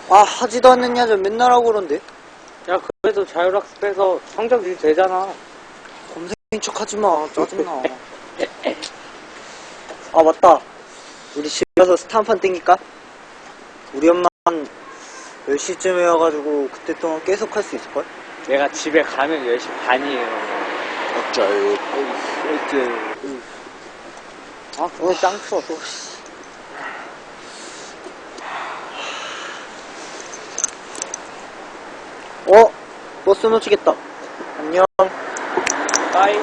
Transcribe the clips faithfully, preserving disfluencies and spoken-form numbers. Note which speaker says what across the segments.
Speaker 1: 아, 하지도 않는 야자 맨날 하고 그런데.
Speaker 2: 야, 그래도 자율학습 해서 성적 유지되잖아.
Speaker 1: 검색인 척 하지 마. 짜증나. 아, 맞다. 우리 집에 가서 스타 한 판 땡길까? 우리 엄마는 열 시쯤에 와가지고 그때 동안 계속 할 수 있을걸?
Speaker 2: 내가 집에 가면 열 시 반이에요.
Speaker 1: 어쩌요. 어째.
Speaker 2: 아, 그거 짱 추워, 또.
Speaker 1: 어? 버스 놓치겠다. 안녕.
Speaker 2: 빠이.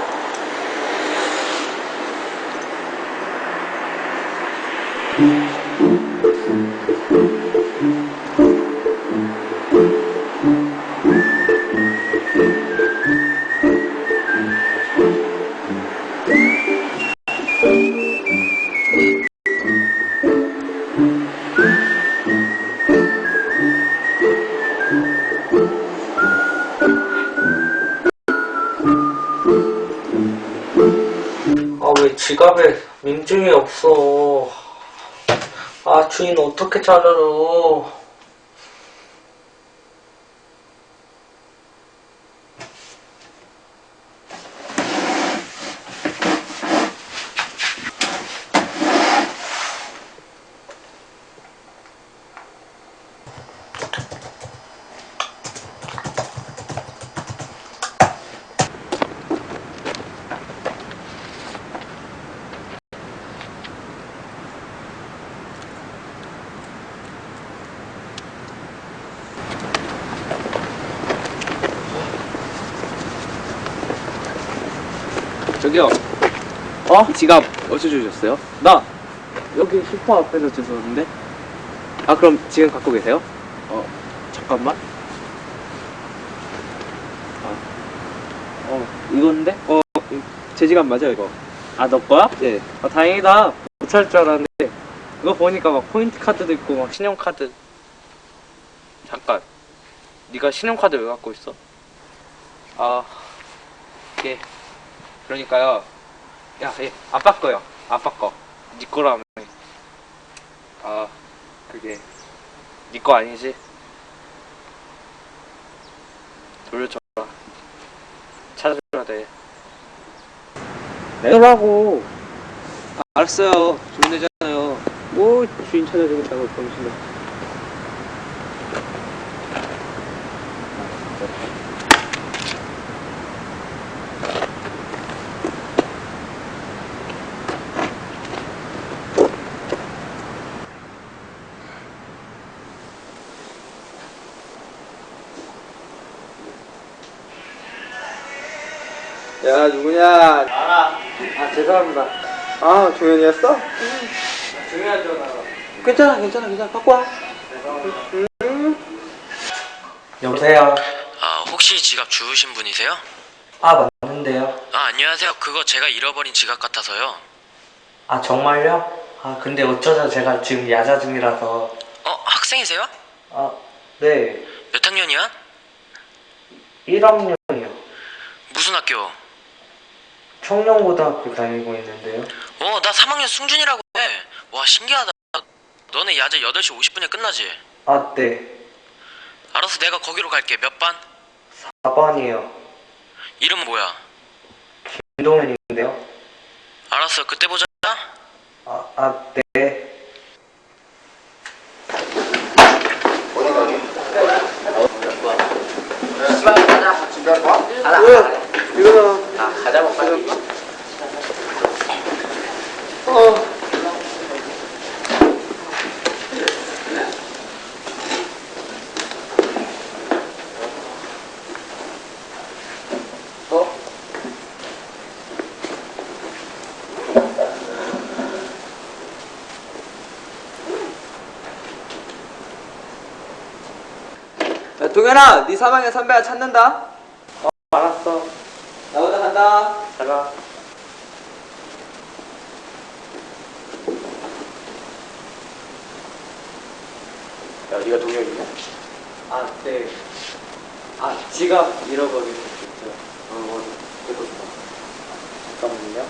Speaker 2: 아, 왜 지갑에 민증이 없어? 아, 주인 어떻게 찾아줘?
Speaker 3: 저기요. 어? 지갑 어디서 주셨어요?
Speaker 2: 나 여기 슈퍼 앞에서 주웠는데.
Speaker 3: 아, 그럼 지금 갖고 계세요? 어, 잠깐만. 아, 어, 이건데? 어, 제 지갑 맞아요, 이거.
Speaker 2: 아, 너 거야?
Speaker 3: 네.
Speaker 2: 아, 다행이다. 못 찾을 줄 알았는데. 이거 보니까 막 포인트 카드도 있고 막 신용카드. 잠깐. 네가 신용카드 왜 갖고 있어?
Speaker 3: 아, 예. 그러니까요. 야, 예. 아빠 거요. 아빠 거.
Speaker 2: 네 거라며.
Speaker 3: 아, 그게.
Speaker 2: 네 거 아니지? 돌려줘라. 찾아줘야 돼. 내라고.
Speaker 3: 아, 알았어요. 돈 내잖아요.
Speaker 2: 뭐 주인 찾아주겠다고 병신아.
Speaker 1: 야, 누구냐?
Speaker 2: 알아. 아, 죄송합니다.
Speaker 1: 아, 조현이었어?
Speaker 2: 중요한 전화가.
Speaker 1: 괜찮아, 괜찮아, 괜찮아. 갖고 와.
Speaker 2: 여보세요.
Speaker 4: 아, 혹시 지갑 주우신 분이세요?
Speaker 2: 아, 맞는데요.
Speaker 4: 아, 안녕하세요. 그거 제가 잃어버린 지갑 같아서요.
Speaker 2: 아, 정말요? 아, 근데 어쩌죠, 제가 지금 야자 중이라서.
Speaker 4: 어, 학생이세요?
Speaker 2: 아, 네.
Speaker 4: 몇 학년이야?
Speaker 2: 일 학년이요.
Speaker 4: 무슨 학교?
Speaker 2: 청년고등학교 다니고 있는데요.
Speaker 4: 어, 나 삼 학년 승준이라고 해. 와, 신기하다. 너네 야자 여덟 시 오십 분에 끝나지?
Speaker 2: 아, 네.
Speaker 4: 알았어, 내가 거기로 갈게. 몇 반?
Speaker 2: 사 번이요.
Speaker 4: 이름 뭐야?
Speaker 2: 김동현인데요.
Speaker 4: 알았어, 그때 보자.
Speaker 2: 아, 아, 네.
Speaker 1: 왜? 이거는.
Speaker 2: 아, 가자, 뭐, 빨리.
Speaker 1: 어. 어? 야, 동현아, 네 사방에 선배가 찾는다.
Speaker 2: 어, 알았어.
Speaker 1: 나 먼저 간다.
Speaker 2: 잘 가.
Speaker 3: 야, 네가 동혁이냐?
Speaker 2: 아, 네. 아, 지갑 잃어버린 거 있죠.
Speaker 3: 어, 뭐, 그래도 좋아.
Speaker 2: 잠깐만요.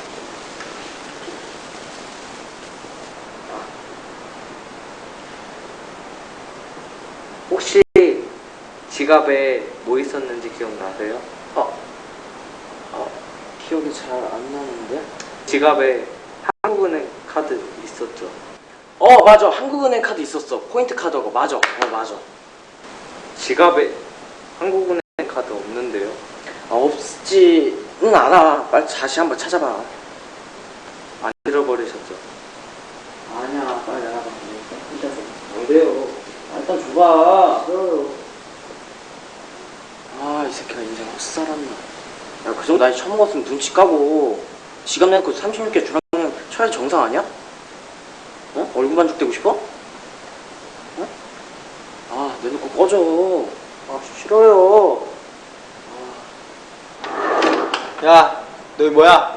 Speaker 2: 혹시 지갑에 뭐 있었는지 기억나세요?
Speaker 3: 어, 어, 기억이 잘 안 나는데?
Speaker 2: 지갑에 한국은행 카드 있었죠?
Speaker 3: 어, 맞아. 한국은행 카드 있었어. 포인트 카드고. 맞아. 어, 맞아.
Speaker 2: 지갑에 한국은행 카드 없는데요?
Speaker 3: 아, 없지는 않아. 빨리 다시 한번 찾아봐.
Speaker 2: 안 잃어버리셨죠?
Speaker 3: 아니야, 빨리 나가봐. 혼자서. 안 돼요. 아, 일단 줘봐. 싫어요. 아, 이 새끼가 인생 헛살았나. 야, 그 정도 나이 처먹었으면 눈치 까고 지갑 내놓고 삼십육 개 주라면 쳐야지 정상 아니야? 어? 얼굴 반죽되고 싶어? 어? 아, 내놓고 꺼져. 아, 싫어요.
Speaker 1: 야, 너 뭐야?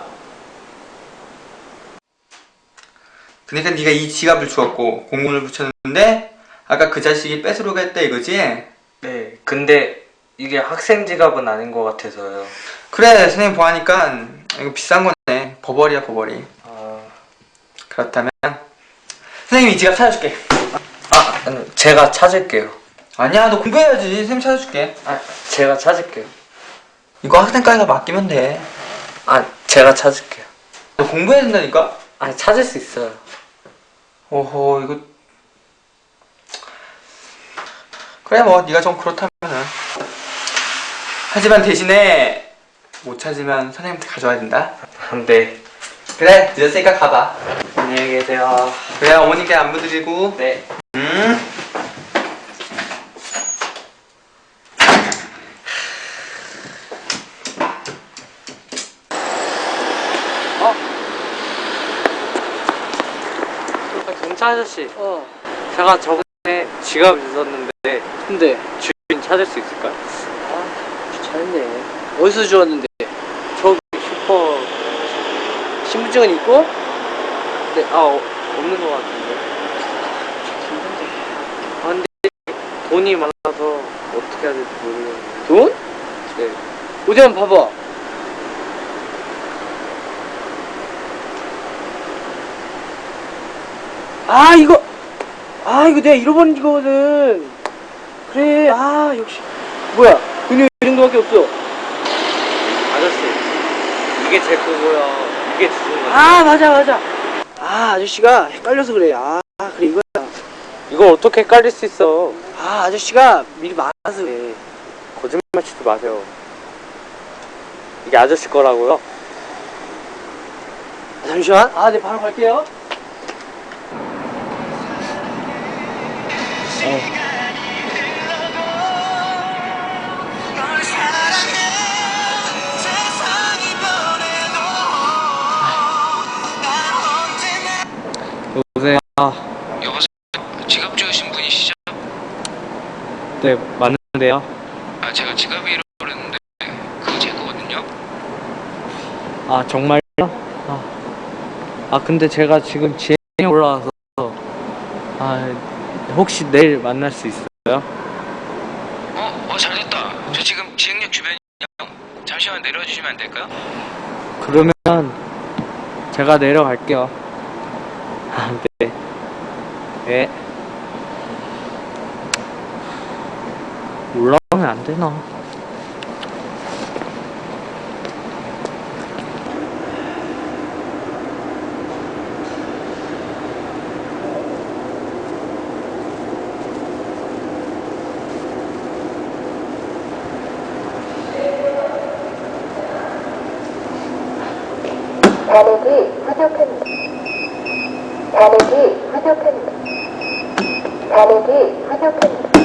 Speaker 1: 그러니까 네가 이 지갑을 주었고 공문을 붙였는데 아까 그 자식이 뺏으려고 했다 이거지?
Speaker 2: 네, 근데 이게 학생 지갑은 아닌 것 같아서요.
Speaker 1: 그래, 선생님 보아하니까 이거 비싼 거네. 버버리야, 버버리.
Speaker 2: 아,
Speaker 1: 그렇다면 선생님이 이 지갑 찾아줄게.
Speaker 2: 아 음, 제가 찾을게요.
Speaker 1: 아니야, 너 공부해야지. 선생님 찾아줄게.
Speaker 2: 아, 제가 찾을게요.
Speaker 1: 이거 학생까지가 맡기면 돼.
Speaker 2: 아, 제가 찾을게요.
Speaker 1: 너 공부해야 된다니까?
Speaker 2: 아, 찾을 수 있어요.
Speaker 1: 오호, 이거 그래, 뭐 네가 좀 그렇다면은. 하지만 대신에 못 찾으면 선생님한테 가져와야 된다.
Speaker 2: 네.
Speaker 1: 그래, 늦었으니까 가봐.
Speaker 2: 안녕히 계세요.
Speaker 1: 그래, 어머님께 안부드리고.
Speaker 2: 네.
Speaker 1: 음.
Speaker 2: 경찰 아저씨,
Speaker 3: 어,
Speaker 2: 제가 저번에 지갑 있었는데
Speaker 3: 근데.
Speaker 2: 주인 찾을 수 있을까요?
Speaker 3: 아, 잘했네. 어디서 주웠는데?
Speaker 2: 저기 슈퍼.
Speaker 3: 신분증은 있고?
Speaker 2: 네, 아 어, 없는 것 같은데. 아, 근데 돈이 많아서 어떻게 해야 될지 모르겠는데.
Speaker 3: 돈?
Speaker 2: 네.
Speaker 3: 어디 한번 봐봐. 아, 이거! 아, 이거 내가 잃어버린 거거든. 그래, 아, 역시. 뭐야, 돈이 왜 이 정도밖에 없어?
Speaker 2: 아저씨, 이게 제 거고요. 이게 주신 거예요.
Speaker 3: 아, 맞아, 맞아. 아, 아저씨가 헷갈려서 그래. 아, 그래, 이거야.
Speaker 2: 이걸 어떻게 헷갈릴 수 있어?
Speaker 3: 아, 아저씨가 미리 말아서 그래.
Speaker 2: 거짓말 치지 마세요. 이게 아저씨 거라고요?
Speaker 3: 아, 잠시만. 아, 네, 바로 갈게요.
Speaker 2: 여보세요?
Speaker 4: 여보세요? 지갑 주우신 분이시죠?
Speaker 2: 네, 맞는데요?
Speaker 4: 아, 제가 지갑이 잃어버렸는데 그거 제 거거든요?
Speaker 2: 아, 정말요? 아, 아 근데 제가 지금 지행에 올라와서 아, 혹시 내일 만날 수 있어요?
Speaker 4: 어? 어, 잘됐다. 저 지금 지흥역 주변이요. 잠시만 내려주시면 안 될까요?
Speaker 2: 그러면 제가 내려갈게요. 아, 네. 네. 올라오면 안 되나?
Speaker 5: 잔액이 부족합니다. 잔액이 부족합니다. 잔액이 부족합니다.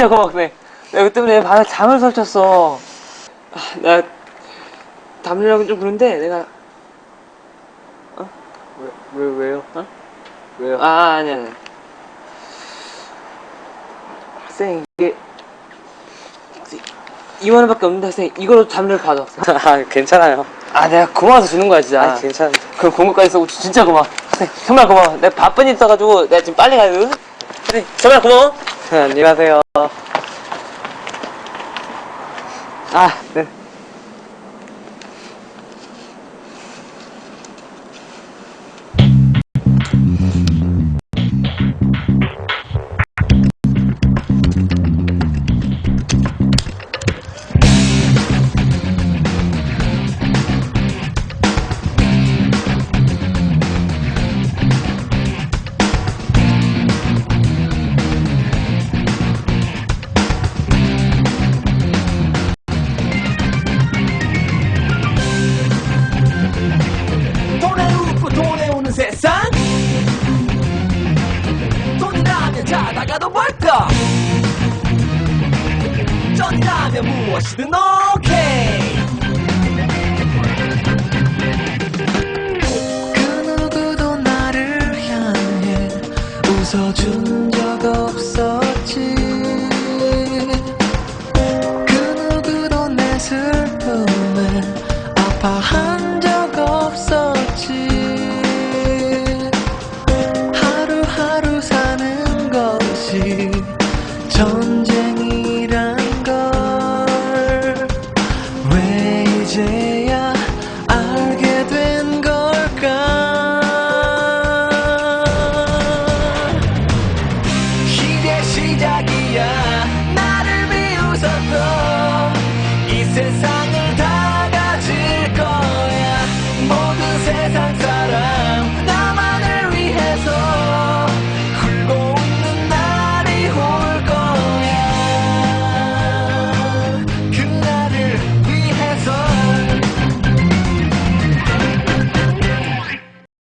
Speaker 6: 진짜 고마워. 네. 내가 그 때문에 밤에 잠을 설쳤어. 아, 나 담배랑은 좀 그런데 내가 어?
Speaker 2: 왜, 왜, 왜요?
Speaker 6: 어?
Speaker 2: 왜요?
Speaker 6: 아 아니야. 아니야. 쌤 이게 이만 원밖에 없는데 쌤 이걸로 담배를 받아.
Speaker 2: 아, 괜찮아요.
Speaker 6: 아 내가 고마워서 주는 거야 진짜.
Speaker 2: 아, 괜찮아요.
Speaker 6: 그럼 공부까지 써고 진짜 고마워. 쌤 정말 고마워. 내가 바쁜 일 있어가지고 내가 지금 빨리 가야 되거든. 쌤 정말 고마워.
Speaker 2: 안녕하세요.
Speaker 6: 아 네.
Speaker 7: 돈에 웃고 돈에 우는 세상 돈이라면 자다가도 벌떡 쩐이라면 무엇이든 너